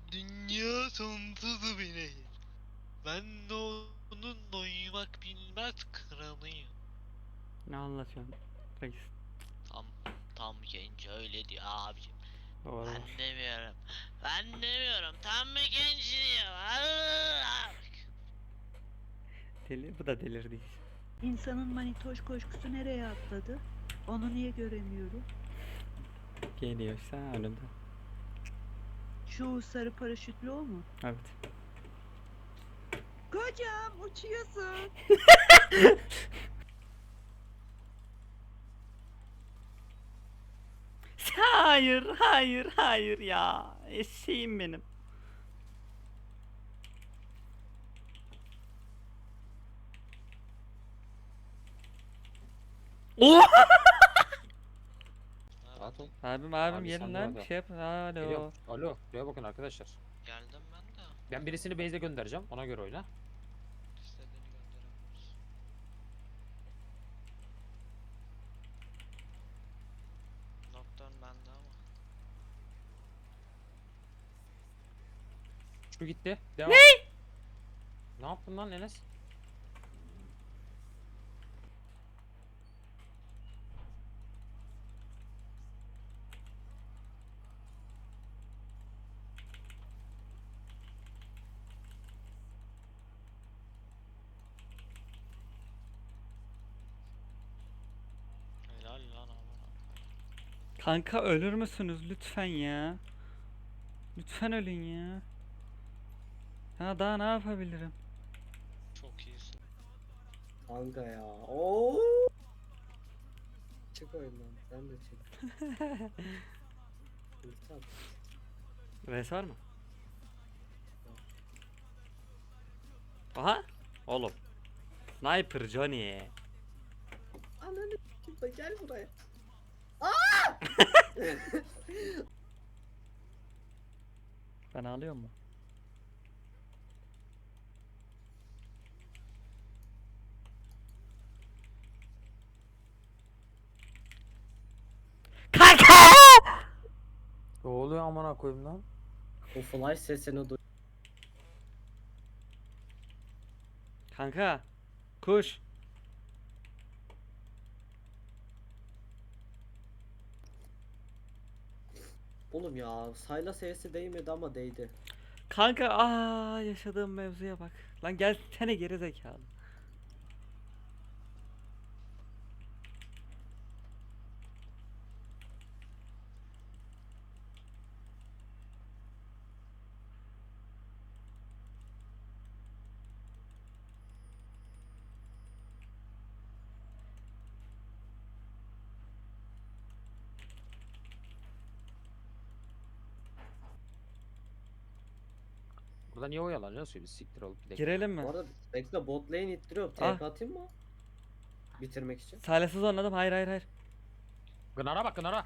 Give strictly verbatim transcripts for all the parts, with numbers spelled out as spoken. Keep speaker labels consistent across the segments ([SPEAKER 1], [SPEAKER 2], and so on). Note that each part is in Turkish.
[SPEAKER 1] Dünya sonsuz bir nehir. Ben de onunla uyumak bilmez kralıyım.
[SPEAKER 2] Ne anlatıyorsun reis?
[SPEAKER 1] Tam tam genç öyle diyor abicim.
[SPEAKER 2] Doğru.
[SPEAKER 1] Ben demiyorum. Ben demiyorum. Tam bir genç diyor. Allah!
[SPEAKER 2] Deli, bu da delirdi iyice.
[SPEAKER 3] İnsanın manitoş koşkusu nereye atladı? Onu niye göremiyorum?
[SPEAKER 2] Geliyorsa önünde.
[SPEAKER 3] Şu sarı paraşütlü o mu?
[SPEAKER 2] Evet.
[SPEAKER 3] Kocam uçuyorsun.
[SPEAKER 2] Hayır, hayır, hayır ya. Eşeğim benim. Oh!
[SPEAKER 4] Rahat ol.
[SPEAKER 2] Abim abim
[SPEAKER 4] Abi
[SPEAKER 2] gelin
[SPEAKER 4] sen
[SPEAKER 2] lan
[SPEAKER 4] de
[SPEAKER 2] bir şey yap. Alo.
[SPEAKER 4] Geliyorum. Alo. Buraya bakın arkadaşlar.
[SPEAKER 1] Geldim ben de.
[SPEAKER 4] Ben birisini base'e göndereceğim. Ona göre oyna.
[SPEAKER 1] İstediğini gönderebiliriz. Nocturne bende ama.
[SPEAKER 4] Şu gitti. Devam. Ne? Ne yaptın lan Enes?
[SPEAKER 1] Helal lan amına.
[SPEAKER 2] Kanka ölür müsünüz lütfen ya? Lütfen ölün ya. Ha daha ne yapabilirim?
[SPEAKER 1] Çok iyisin.
[SPEAKER 5] Kanka ya. Oo. Çık oyundan. Sen de çık. Ulti at.
[SPEAKER 2] Res var mı? Aha. Oğlum. Sniper Johnny.
[SPEAKER 5] Ananı s**eyim, gel buraya.
[SPEAKER 2] Ben ağlıyor mu? Kanka!
[SPEAKER 4] Ne oluyor amına koyayım lan?
[SPEAKER 5] O flash sesini duy.
[SPEAKER 2] Kanka. Kuş.
[SPEAKER 5] Oğlum ya sayla sesi değmedi ama değdi.
[SPEAKER 2] Kanka aa yaşadığım mevzuya bak. Lan gelsene geri zekalı.
[SPEAKER 4] Burada niye oyalanıyorsun? Bir siktir olup gidelim.
[SPEAKER 2] Girelim mi?
[SPEAKER 5] Bu arada bekle bot lane ittiriyorum.
[SPEAKER 2] Ah.
[SPEAKER 5] T P atayım mı? Bitirmek için.
[SPEAKER 2] Salihsiz oynadım. Hayır hayır hayır.
[SPEAKER 4] Gınara bak gınara.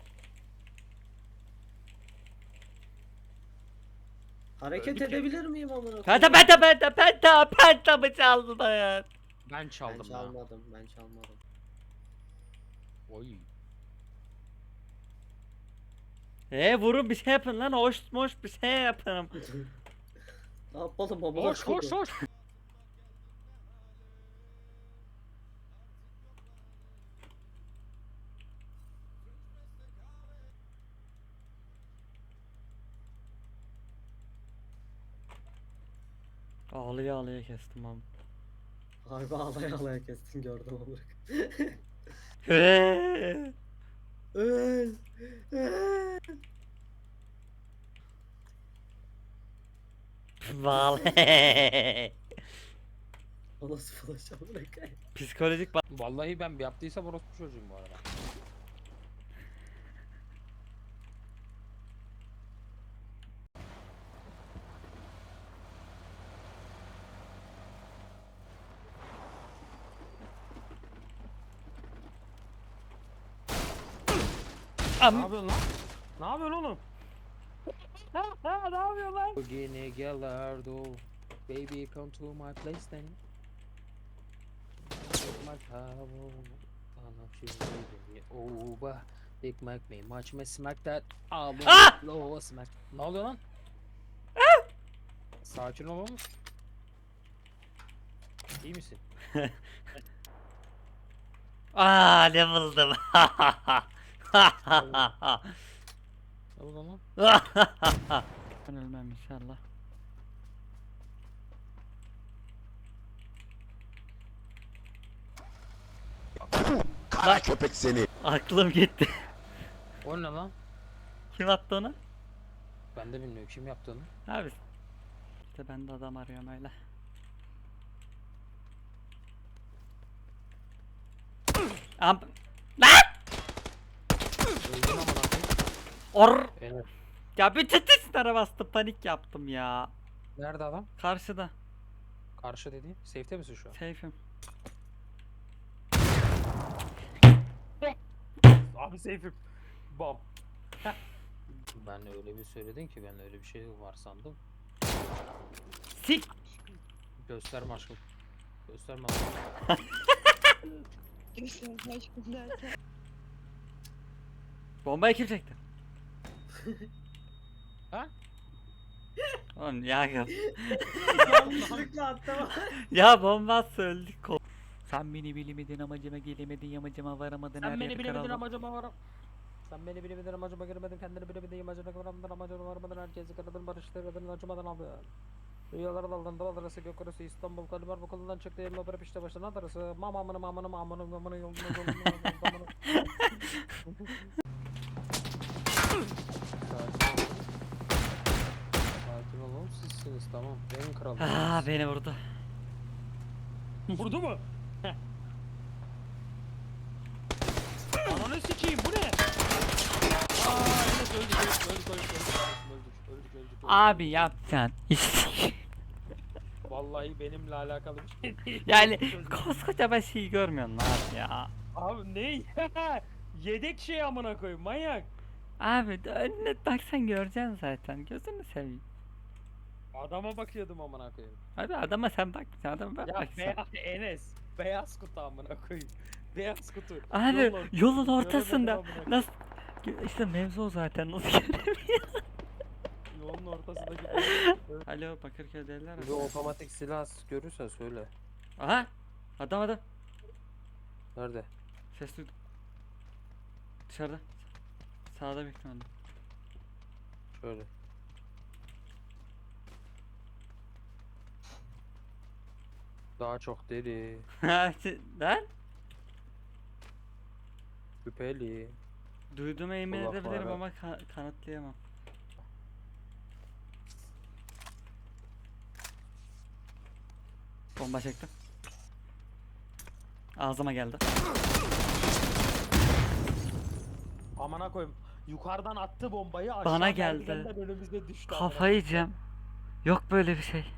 [SPEAKER 5] Hareket
[SPEAKER 4] Öldük ya.
[SPEAKER 5] edebilir miyim amına
[SPEAKER 2] Penta
[SPEAKER 5] koyayım?
[SPEAKER 2] penta penta penta penta mı çaldı da ya?
[SPEAKER 4] Ben
[SPEAKER 5] Ben
[SPEAKER 4] çaldım ya.
[SPEAKER 5] çalmadım. Ben çalmadım.
[SPEAKER 4] Oy.
[SPEAKER 2] E vurun bir şey yapın lan. Hoş hoş bir şey yapın.
[SPEAKER 5] Ne yapalım amına
[SPEAKER 4] Koş koş
[SPEAKER 5] koyayım?
[SPEAKER 4] koş.
[SPEAKER 2] Ağlaya ağlaya kestim abi.
[SPEAKER 5] Harbi ağlaya ağlaya kestin gördüm amına koyayım.
[SPEAKER 2] Eee.
[SPEAKER 5] Öl. Öl.
[SPEAKER 2] Vallahi.
[SPEAKER 5] O nasıl flash amına koyayım?
[SPEAKER 2] Psikolojik bak.
[SPEAKER 4] Vallahi ben bir yaptıysam orospu çocuğum bu arada. Ne
[SPEAKER 2] Am.
[SPEAKER 4] yapıyorsun lan? Ne yapıyorsun oğlum?
[SPEAKER 2] Ha, ha, ne yapıyor lan?
[SPEAKER 4] Bugüne Gallardo. Baby come to my place then. Take my towel. I'll you baby over. Big Mac me much me smack that. I'll
[SPEAKER 2] Ah!
[SPEAKER 4] low smack. Ne oluyor lan? Sakin ol oğlum. İyi misin?
[SPEAKER 2] Aa ne buldum.
[SPEAKER 4] Ne bu lan?
[SPEAKER 2] Ben ölmem inşallah.
[SPEAKER 6] Kara köpek seni.
[SPEAKER 2] Aklım gitti.
[SPEAKER 4] O ne lan?
[SPEAKER 2] Kim attı onu?
[SPEAKER 4] Ben de bilmiyorum kim yaptı onu.
[SPEAKER 2] Abi. İşte ben de adam arıyorum öyle. Am Lan!
[SPEAKER 4] Öldün ama lan.
[SPEAKER 2] Or!
[SPEAKER 4] Evet.
[SPEAKER 2] Ya bir tetislere bastım, panik yaptım ya.
[SPEAKER 4] Nerede adam?
[SPEAKER 2] Karşıda.
[SPEAKER 4] Karşı dediğin. Safe'te misin şu an?
[SPEAKER 2] Seyfim.
[SPEAKER 4] Abi safe'im. Bam. Ben öyle bir söyledin ki ben öyle bir şey var sandım.
[SPEAKER 2] Sik!
[SPEAKER 4] Gösterme aşkım. Gösterme aşkım.
[SPEAKER 3] Göster aşkım derken.
[SPEAKER 2] Bombayı kim çekti?
[SPEAKER 4] Ha?
[SPEAKER 2] Oğlum ya ya.
[SPEAKER 5] Yanlışlıkla attım.
[SPEAKER 2] Ya bomba öldük. Ko- Sen beni bilemedin, amacıma gelemedin, yamacıma varamadın. her
[SPEAKER 4] Sen beni
[SPEAKER 2] yerde
[SPEAKER 4] bilemedin
[SPEAKER 2] karaladın.
[SPEAKER 4] amacıma varım. Sen beni bilemedin amacıma girmedin kendini bilemedin amacına varamadın amacına varamadın herkesi kırdın barıştırdın acımadan aldın. Rüyalara daldın dal arası gök arası İstanbul Kalibar bakulundan çıktı elma bırak işte başına atarası mamamını mamını mamını mamını yolunu yolunu yolunu. Sakin olun sizsiniz tamam en kral.
[SPEAKER 2] Aa beni vurdu.
[SPEAKER 4] Vurdu mu? Heh. Ananı sikeyim bu ne? Aa evet öldük öldük öldük öldük öldük öldük öldük öldük.
[SPEAKER 2] Abi yapacaksın.
[SPEAKER 4] Vallahi benimle alakalı bir şey değil.
[SPEAKER 2] Yani
[SPEAKER 4] Öldük.
[SPEAKER 2] koskoca bir şeyi görmüyorsun lan abi ya.
[SPEAKER 4] Abi ne? Yedek şey amına koyayım manyak.
[SPEAKER 2] Abi de önüne baksan göreceksin zaten. Gözünü seveyim.
[SPEAKER 4] Adama bakıyordum amına koyayım.
[SPEAKER 2] Abi adama sen bakmayacaksın, adama ben
[SPEAKER 4] Ya
[SPEAKER 2] bakacağım.
[SPEAKER 4] beyaz Enes. Beyaz kutu amına koyayım. Beyaz kutu.
[SPEAKER 2] Abi
[SPEAKER 4] Yolun-
[SPEAKER 2] yolun
[SPEAKER 4] göremedim
[SPEAKER 2] ortasında
[SPEAKER 4] amına koyayım.
[SPEAKER 2] nasıl işte mevzu o zaten nasıl göremiyor?
[SPEAKER 4] Yolun ortasındaki.
[SPEAKER 2] Alo Bakırköy'deler mi?
[SPEAKER 4] Bir otomatik silah görürsen söyle.
[SPEAKER 2] Aha adam adam
[SPEAKER 4] Nerede?
[SPEAKER 2] ses duydum. Dışarıda. Sağda bekliyorum.
[SPEAKER 4] Şöyle. Daha çok deli,
[SPEAKER 2] Ha lan
[SPEAKER 4] şüpheli.
[SPEAKER 2] duyduğuma emin
[SPEAKER 4] Kulak
[SPEAKER 2] edebilirim
[SPEAKER 4] var ha.
[SPEAKER 2] ama ka- kanıtlayamam. Bomba çektim. Ağzıma geldi.
[SPEAKER 4] Amına koyayım. Yukarıdan attı bombayı aşağı
[SPEAKER 2] Bana geldi.
[SPEAKER 4] merdivenden önümüzde düştü. amına
[SPEAKER 2] Kafayı yiyeceğim. Yok böyle bir şey.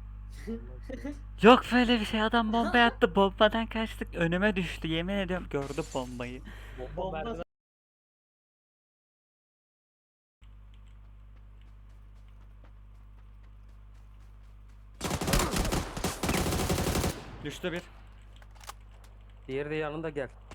[SPEAKER 2] Yok böyle bir şey. Adam bomba attı. Bombadan kaçtık. Önüme düştü. Yemin ediyorum gördüm bombayı.
[SPEAKER 4] koyayım.
[SPEAKER 5] Bomba
[SPEAKER 4] merdiven-
[SPEAKER 2] Düştü bir.
[SPEAKER 4] Diğeri de yanında gel.